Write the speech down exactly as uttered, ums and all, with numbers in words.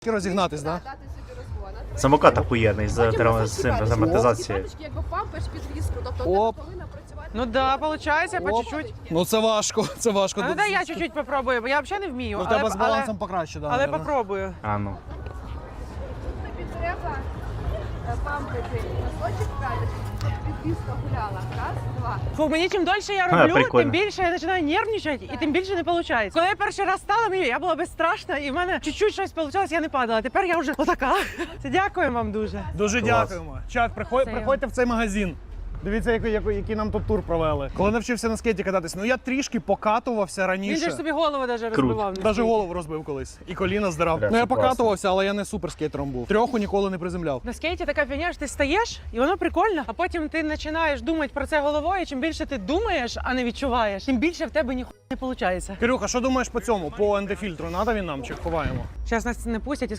Розігнатись, так? Дати собі розгон. Самокат охуєнний з Потім з амортизацією. П'яточки, якби пампиш підвіску, тобто Оп. ти повинна працювати. Ну да, получається, по Оп. чуть-чуть. Ну це важко, це важко. Ну дай я чуть-чуть попробую, бо я взагалі не вмію. Ну, в але, тебе з але, балансом покраще, да, але наверно. попробую. А ну. Тобі треба е, пампити носочок п'яточки, щоб підвіска гуляла. Раз, два. Фу, мені чим дольше я А, роблю, прикольно. тим більше я починаю нервничати і тим більше не виходить. Коли я перший раз стала, мені я була безстрашна і в мене чуть-чуть щось вийшло, я не падала. Тепер я вже отака. Це дякую вам дуже. Дуже Клас. дякуємо. Чат, приходь, Це приходьте в цей магазин. Дивіться, який, який, який нам тут тур провели. Коли навчився на скейті кататись, ну я трішки покатувався Він же ж раніше. собі голову навіть розбивав. на Навіть скейті. голову розбив колись. І коліна здирав. Бля, Ну я це класно. покатувався, але я не суперскейтером був. Трьоху ніколи не приземляв. На скейті така фігня, що ти стаєш, і воно прикольно, а потім ти починаєш думати про це головою, і чим більше ти думаєш, а не відчуваєш, тим більше в тебе ніхуя не виходить. Кирюха, що думаєш по цьому? По ендефільтру? Надо він нам чи ховаємо? Зараз нас не пустять і